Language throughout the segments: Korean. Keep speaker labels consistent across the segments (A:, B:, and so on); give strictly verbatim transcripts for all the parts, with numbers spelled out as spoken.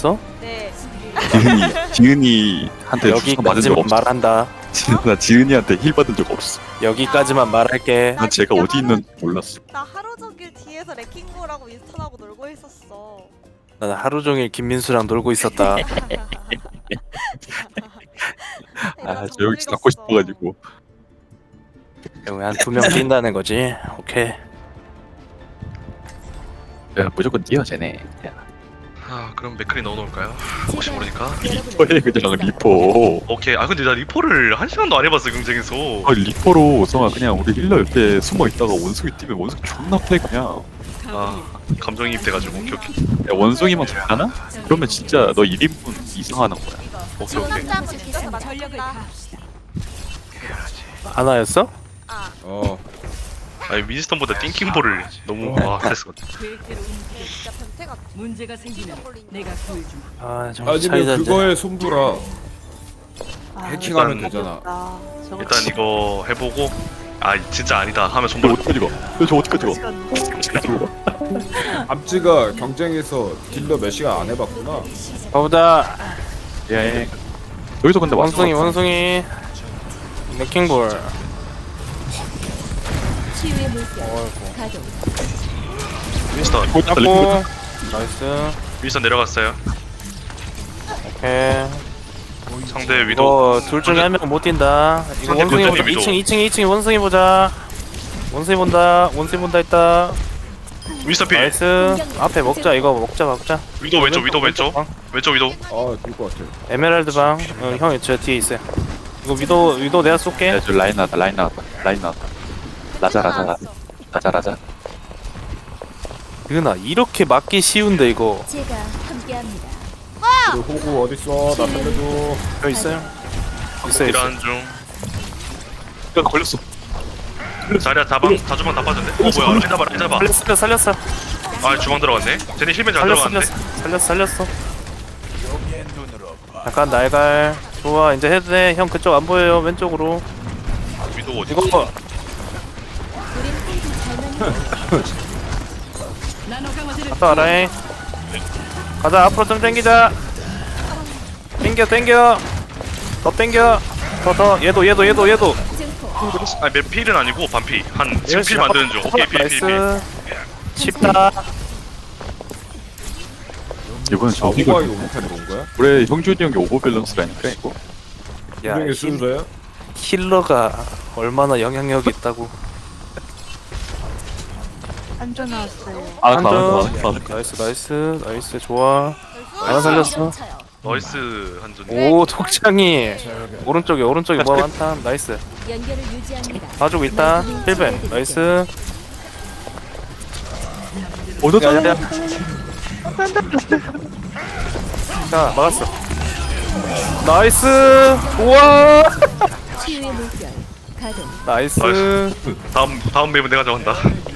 A: 아나였어?
B: 네.
C: 지은이 지은이한테 주소 맞은 적
A: 여기까지만
C: 없어.
A: 말한다.
C: 나 지은이한테 힐 받은 적 없어.
A: 여기까지만 말할게.
C: 난 제가 어디 있는지 몰랐어.
B: 나 하루 종일 뒤에서 레킹볼하고 윈스턴하고 놀고 있었어.
A: 나는 하루 종일 김민수랑 놀고 있었다.
C: 아, 저 여기서 갖고 싶어가지고.
A: 한 두 명 뛴다는 거지. 오케이.
C: 야, 무조건 뛰어 쟤네. 야,
D: 아 그럼 맥클이 넣어놓을까요? 혹시 모르니까.
C: 리퍼에 그냥 리퍼.
D: 오케이. 아 근데 나 리포를 한 시간도 안 해봤어 경쟁에서.
C: 어, 리퍼로 성아 그냥 우리 힐러 옆에 숨어 있다가 원숭이 뛰면 원숭이 존나 패 그냥.
D: 아 감정이입 돼가지고. 오케이 오케이.
C: 야, 원숭이만 잡잖아? 그러면 진짜 너 일 인분 이상하는 거야.
D: 오케이 오케이.
B: 상남자하고 진짜 맞췄다.
A: 아나였어?
B: 아,
E: 어
D: 아니 윈스턴보다 띵킹볼을 너무 와 됐어.
B: 진짜 변태 같아.
F: 문제가 생기면 내가 구해주마.
A: 아 정말 차이
E: 아니면
A: 잔데.
E: 그거에 손불아 해킹하면
D: 일단-
E: 되잖아.
D: 일단 이거 해보고 아 진짜 아니다 하면
C: 너
D: 손볼.
C: 어디까지 가? 야, 저 어디까지 가?
E: 암찌가 경쟁에서 딜러 몇 시간 안 해봤구나.
A: 가보자.
C: 예. 여기서 근데 왔어.
A: 원숭이 원숭이. 레킹볼.
G: 치유의 물결 가동.
D: 윈스턴.
A: 잡고. 나이스.
D: 윈스턴 내려갔어요.
A: 오케이.
D: 상대 위도.
A: 이거 둘 중에 한 명 못 뛴다. 이거
D: 상대
A: 원숭이 보자.
D: 위도.
A: 이 층 이 층 이 층 원숭이 보자. 원숭이 본다. 원숭이 본다 했다.
D: 윈스턴 필.
A: 나이스. 앞에 먹자. 이거 먹자 먹자.
D: 위도 왼쪽 위도 왼쪽.
A: 방.
D: 왼쪽 위도.
E: 아될것 같아.
A: 에메랄드 방. 어, 형이 저 뒤에 있어요. 이거 위도 위도 내가 쏠게.
C: 야, 저 라인 나왔다. 라인 나왔다. 라인 나왔다. 라자 라자 라자 라자 라자.
A: 이거나 이렇게 맞기 쉬운데 이거.
G: 제가 함께합니다.
E: 그리고 호구 어딨어? 나 살려줘.
A: 여기 있어요. 있어요 있어.
D: 일하는 중.
C: 야, 걸렸어.
D: 자리야 다방 다 주방 다 빠졌네. 어 뭐야? 라인 잡아 라인 잡아.
A: 살렸어 살렸어.
D: 아 주방 들어갔네. 쟤네 힐맨 잘
A: 살렸어
D: 들어갔네.
A: 살렸어 살렸어 살렸어. 약간 날갈. 좋아 이제 해도 돼. 형 그쪽 안 보여요 왼쪽으로.
D: 위도 어디?
A: 이거 뭐
G: 우린 항상 잘
F: 나노 강화제를
A: 갔다 와라잉. 가자 앞으로 좀 당기자. 당겨 당겨. 더 당겨. 더 더 얘도 얘도 얘도 얘도.
G: 증폭.
D: 아니 몇 필은 아니고 반피. 한 지금 필 만드는 중. 오케이 필 필 필.
A: 나이스. 쉽다.
C: 이번엔
E: 아
C: 저
E: 호구가
C: 이거
E: 이거 못하는 건 거야?
C: 올해 형준이 형이 오버 밸런스라니까 이거.
A: 야
E: 경쟁에
A: 힐,
E: 순서야?
A: 힐러가 얼마나 영향력이 있다고.
B: 안전 나왔어요.
C: 아,
A: 한점
C: 나왔다, 나왔다.
A: 나이스 나이스 나이스 좋아. 하나 살렸어.
D: 나이스 한준.
A: 오 독창이 오른쪽에 오른쪽에 뭐 많다. 나이스.
G: 연결을 유지합니다.
A: 봐주고 있다. 힐벤 나이스.
C: 어디
A: 야야야. 자 막았어. 나이스. 좋아.
G: 치유의 물결 가동.
A: 나이스.
D: 나이스. 다음 다음 맵은 내가 정한다.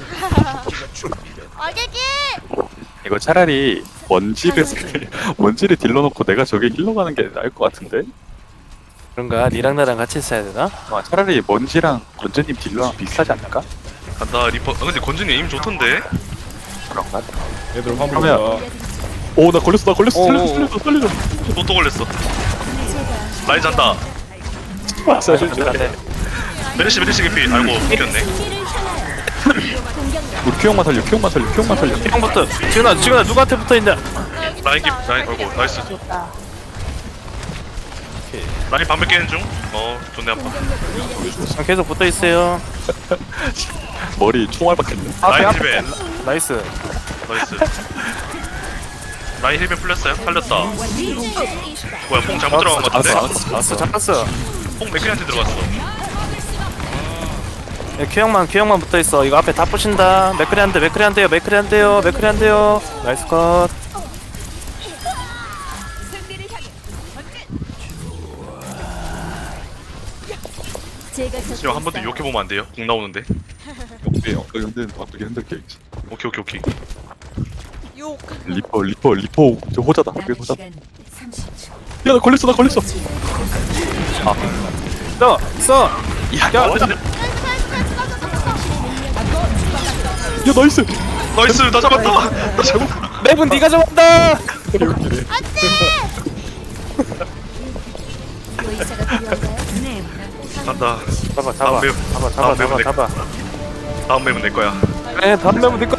B: 아기기!
C: 이거 차라리 원질을 원질을 딜러 놓고 내가 저게 힐러 가는 게 나을 것 같은데.
A: 그런가? 니랑 나랑 같이 있어야 되나?
C: 아, 차라리 먼지랑 건재님 딜러랑 비슷하지 않을까?
D: 간다 리퍼. 아 근데 건준이 에임 좋던데.
C: 그런가?
E: 얘들 화물
C: 그러면-
E: 온다.
C: 오, 나 걸렸어, 나 걸렸어,
A: 오,
C: 살려줘,
A: 오.
C: 살려줘, 살려줘.
D: 또 또 걸렸어.
G: 제가
D: 라인 잔다.
C: 아, 살려줘.
A: 안돼.
D: 메르시 메르시 개피. 아이고 웃겼네.
G: 승리를 향하여 공격력.
C: 우리 큐형만 살려, 큐형만 살려, 큐형만 살려.
A: 형부터. 지훈아 지훈아 누구한테 붙어있냐?
D: 라인 개 라인 아이고 나이스. 라인 반백 깨는 중. 어 좋네 아파.
A: 아, 계속 붙어있어요.
C: 머리 총알 박혔네.
A: 앞에
D: 라인
A: 앞에.
D: 힐벤.
A: 나이스.
D: 나이스. 라인 힐벤 풀렸어요. 살렸다. 뭐야 뽕 잘못 들어간 것
C: 알았어,
D: 같은데.
C: 알았어,
A: 알았어 잡았어.
D: 뽕 맥클한테 들어갔어.
A: 야, 큐형만 큐형만 붙어있어. 이거 앞에 다 부신다. 맥크리 한대 맥크리 한대요 맥크리 한대요 맥크리 한대요. 나이스 컷.
G: 제가
D: 지금 한 번 더 욕해 보면 안 돼요? 공 나오는데.
C: 오케이, 엉덩이 흔들, 엉덩이 흔들게.
D: 오케이 오케이 오케이.
B: 욕.
C: 리퍼, 리퍼, 리퍼. 저 호자다, 그게 호자. 야,
G: 시간 삼십 초.
C: 나 걸렸어, 나 걸렸어. 아,
A: 써 써.
C: 야,
A: 야,
C: 야, 나이스.
D: 나이스 나 잡았다. 나 잡았다.
A: 맵은 네가 정한다.
G: 의사가 필요한가요?
D: 간다.
A: 잡아 잡아
D: 아, 맵.
A: 잡아
D: 아,
A: 잡아
D: 맵은
A: 잡아
D: 내-
A: 잡아.
D: 다음 맵은 내 거야.
A: 네 다음 맵은 네 거다.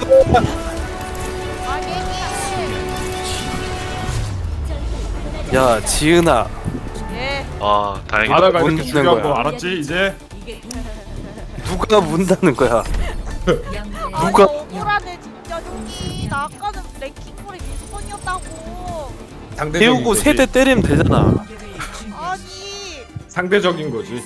A: 야 지은아
B: 예.
D: 아 다행이다.
E: 바다가
A: 문
E: 이렇게
A: 닫는
E: 중요한
A: 거야.
E: 거 알았지 이제?
A: 누가 문다는 거야?
B: 아니
A: 누가-
B: 억울하네 진짜 여기. 나 아까는 레킹볼이 미스폰이었다고.
E: 상대적인
A: 태우고
E: 거지.
A: 세대 때리면 되잖아.
B: 아니.
E: 상대적인 거지.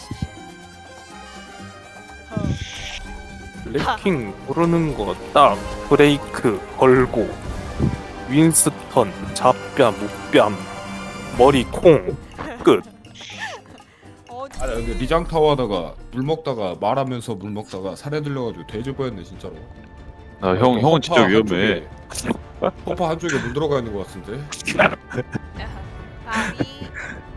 A: 레킹 모르는 거 딱 브레이크 걸고 윈스턴 잡뺨 목뺨 머리 콩 끝.
B: 어디?
E: 아 근데 리장 타워 하다가 물 먹다가 말하면서 물 먹다가 살에 들려가지고 돼지 보였네 진짜로.
C: 아, 형 형은 진짜
E: pompa
C: 위험해.
E: 한쪽에- 펌파 한쪽에 물 들어가 있는 것 같은데.
B: 아니.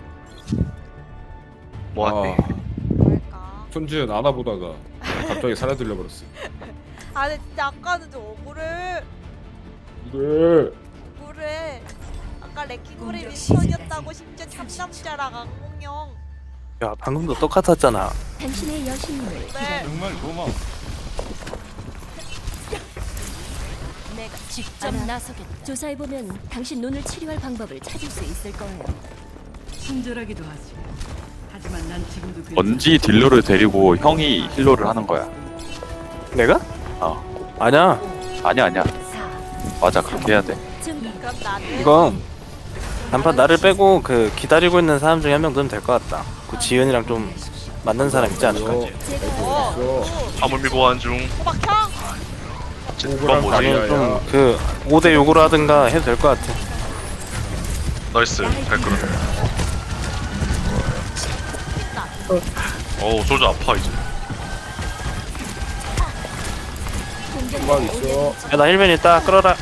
D: 뭐하니?
E: 아,
B: 뭘까?
E: 손지은 안아 보다가 갑자기 살에 들려버렸어.
B: 아 근데 진짜 아까는 좀 억울해.
E: 그래.
B: 억울해. 아까 레킹볼이 미스폰이었다고 심지어 참남자랑 악몽형.
A: 야 방금도 똑같았잖아.
G: 당신의 여신님을
B: 네.
E: 정말 고마워.
G: 내가 직접 나서겠다. 조사해보면 당신 눈을 치료할 방법을 찾을 수 있을 거예요.
F: 친절하기도 하지. 하지만 난 지금도 그
C: 먼지 딜러를 데리고 형이 힐러를 하는 거야.
A: 내가?
C: 어.
A: 아니야.
C: 아니야 아니야. 맞아 그렇게 해야 돼.
G: 좀
B: 그럼 나는
A: 이건 단판 나를 빼고 그 기다리고 있는 사람 중에 한 명 넣으면 될 것 같다. 그 지은이랑 좀 맞는 사람 있지 않을까?
E: 어,
G: 제가
B: 어.
E: 있어.
D: 화물 밀고 간 중.
B: 호박형.
D: 그건 뭐지?
E: 아니야.
A: 나는 좀 그 오 대 육으로 하든가 해도 될 것 같아.
D: 나이스. 잘 끌어. 어우 솔저 아파 이제.
E: 주방 있어.
A: 야 나 힐맨 있다. 끌어라.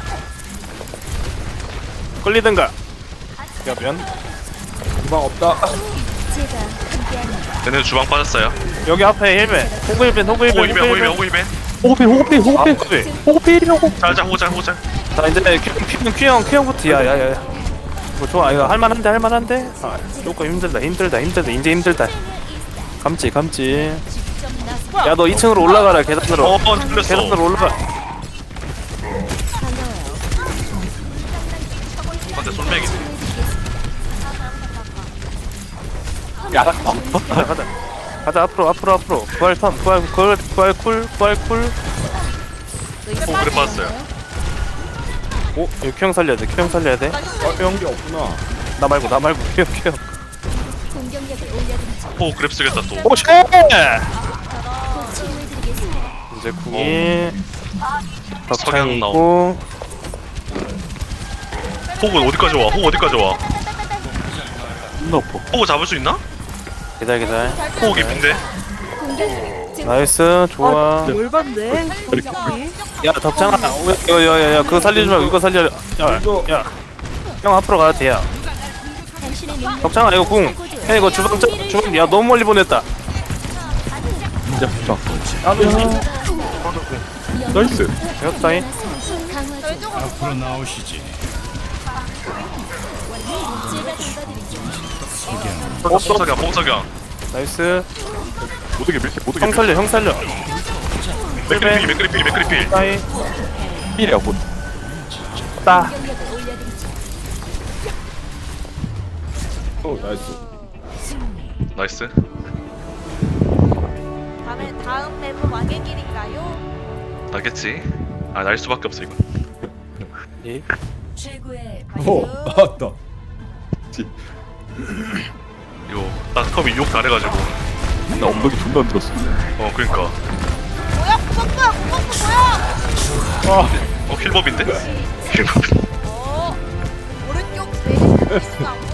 A: 끌리든가. 야면
E: 주방 없다.
G: 제가 함께합니다.
D: 얘네 주방 빠졌어요.
A: 여기 앞에 힐맨. 호그 힐맨 호그 힐맨
D: 호이벤 호이벤 호이벤.
A: 호그필 호그필 호그필 호그필 호그.
D: 잘자 호잘 호잘.
A: 자 이제 큐형 큐형 큐형부터 야야야. 뭐 좋아 이거 할만한데 할만한데. 아 조금 힘들다 힘들다 힘들다 이제 힘들다. 감지 감지.
G: 직접 나서
A: 야 너 이 층으로 올라가라 계단으로.
D: 어 틀렸어.
A: 계단으로 올라가.
G: 반가워요.
D: 근데 솔맥이네.
A: 야 가자 가자 가자 앞으로 앞으로 앞으로 부활 턴 부활 부활 부활 쿨 부활 쿨.
D: 오 그래 빠졌어요.
A: 오 이거 큐형 살려야 돼 큐형 살려야 돼.
E: 아, 연기 없구나.
A: 나 말고 나 말고 큐형 큐형.
G: 공격력을 올려드리죠.
D: 오 그랩 쓰겠다 또.
A: 오쉣.
G: 곧 치료해드리겠습니다.
A: 이제 궁이 덕창이
D: 석양
A: 있고
D: 호그 어디까지 와? 호그 어디까지 와?
C: 너프.
D: 호그 잡을 수 있나?
A: 기다려 기다려.
D: 호그 깊인데.
G: 공격력 증
A: 나이스 좋아.
B: 뭘 봤네?
A: 야 덕창아 야야야야 그거 살리지 말고 이거 살려. 야야형 앞으로 가야 돼야.
G: 당신의 능력
A: 덕창아 이거 궁. 야 이거 주방 짜- 주방 야 너무 멀리 보냈다.
C: 진짜 부정.
G: 영-
C: 나이스.
A: 되었다잉.
G: 강화 중.
B: 왼쪽으로
H: 앞으로 나오시지.
G: 제가 돌봐드리죠.
D: 봉석이야 봉석이야.
A: 나이스.
C: 모두게 밀게 모두게
A: 형 살려 형 살려.
D: 맥크리필 맥크리필 맥크리필.
A: 따이
C: 밀이야 곧.
A: 따.
G: 공격력을 올려드리죠.
E: 어 나이스.
D: 나이스.
B: 다음에 다음 맵은 왕의 길인가요?
D: 나겠지. 아 날 수밖에 없어 이거.
A: 예.
G: 최고의
E: 오 나왔다.
D: 이거 딱 컵이 욕 잘해가지고.
C: 나 엉덩이 존나 안 들었어.
D: 어 그러니까.
B: 뭐야 구멍구야 구멍구 뭐야?
D: 어 킬법인데? 킬법.
B: 어 오른쪽 메리스 있어.